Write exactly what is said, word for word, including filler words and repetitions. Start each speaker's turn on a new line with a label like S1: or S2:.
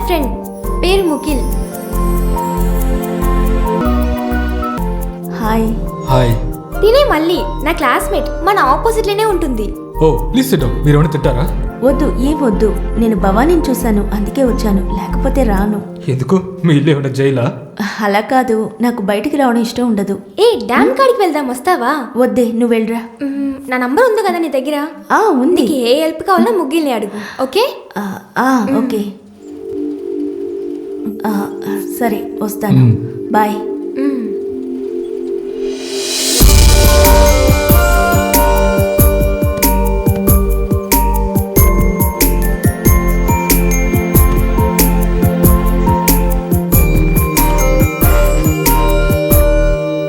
S1: Friend, పేరు ముఖిల్.
S2: Hi.
S3: Hi.
S1: తినే మళ్ళీ నా క్లాస్మేట్, మన ఆపోజిట్ లోనే ఉంటుంది.
S3: Oh please sit down. మీరు ఏమైనా తింటారా?
S2: వద్దు, ఏం వద్దు. నేను భవానీని చూశాను, అందుకే వచ్చాను, లేకపోతే రాను.
S3: ఎందుకు? మీ ఇల్లు ఏమైనా జైలా?
S2: అలా కాదు, నాకు బయటికి రావడం ఇష్టం ఉండదు.
S1: ఏ డ్యామ్ కాడికి వెళ్దాం, వస్తావా?
S2: వద్దే, నువ్వు వెళ్ళరా.
S1: మ్మ్, నా నంబర్ ఉంది కదా నీ దగ్గర?
S2: ఆ ఉంది.
S1: నీకు ఏ హెల్ప్ కావాలన్నా ముగ్గిల్ని అడుగు, ఓకే?
S2: ఆ, ఆ, ఓకే. ఆ, సరే వస్తాను. బాయ్.